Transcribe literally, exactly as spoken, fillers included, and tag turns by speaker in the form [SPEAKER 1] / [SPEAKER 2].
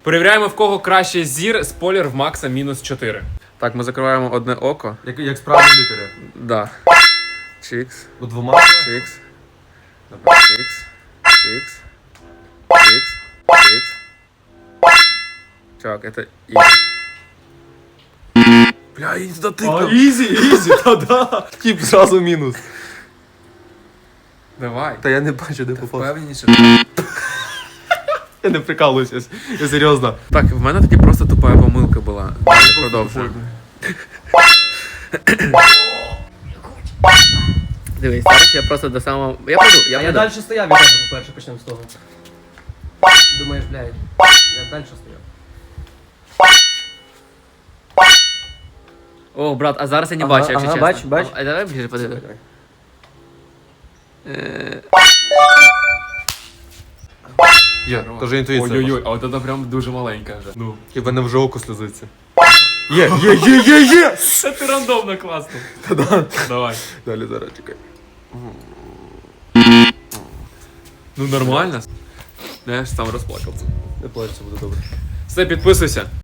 [SPEAKER 1] Перевіряємо, в кого краще зір, спойлер в Макса мінус чотири. Так, ми закриваємо одне око.
[SPEAKER 2] Як, як справді лікаря.
[SPEAKER 1] Да. Чікс.
[SPEAKER 2] У двома?
[SPEAKER 1] Чікс. Чікс. Чікс. Чікс. Чікс. Чувак, это easy. Бля, я не туда
[SPEAKER 2] А,
[SPEAKER 1] тыкал.
[SPEAKER 2] ізі, ізі, та-да. Тип зразу мінус.
[SPEAKER 1] Давай.
[SPEAKER 2] Та я не бачу, де попав.
[SPEAKER 1] Впевненіше.
[SPEAKER 2] Я не прикалуюся, я серйозно.
[SPEAKER 1] Так, в мене таки просто тупа помилка була. Далі продовжуємо. Дивись, зараз я просто до самого... Я пройду, я
[SPEAKER 3] А я
[SPEAKER 1] пройду.
[SPEAKER 3] далі стояв від тебе, по-перше, почнемо з того. Думаєш, блядь, я далі стояв.
[SPEAKER 1] О, брат, а зараз я не
[SPEAKER 3] Ага,
[SPEAKER 1] бачу, якщо
[SPEAKER 3] ага,
[SPEAKER 1] чесно.
[SPEAKER 3] бачу, бачу.
[SPEAKER 1] А давай ближе подивись. Е,
[SPEAKER 2] Є, теж інтуїція.
[SPEAKER 1] Ой-ой-ой, а от це прям дуже маленька вже. Ну.
[SPEAKER 2] І в мене вже око сльозиться. Є, є, є, є, є!
[SPEAKER 1] Це ти рандомно класно. Давай.
[SPEAKER 2] Далі, зараз, чекай.
[SPEAKER 1] Ну нормально. Я ж сам розплакався.
[SPEAKER 2] Не плач, все буде добре.
[SPEAKER 1] Все, підписуйся.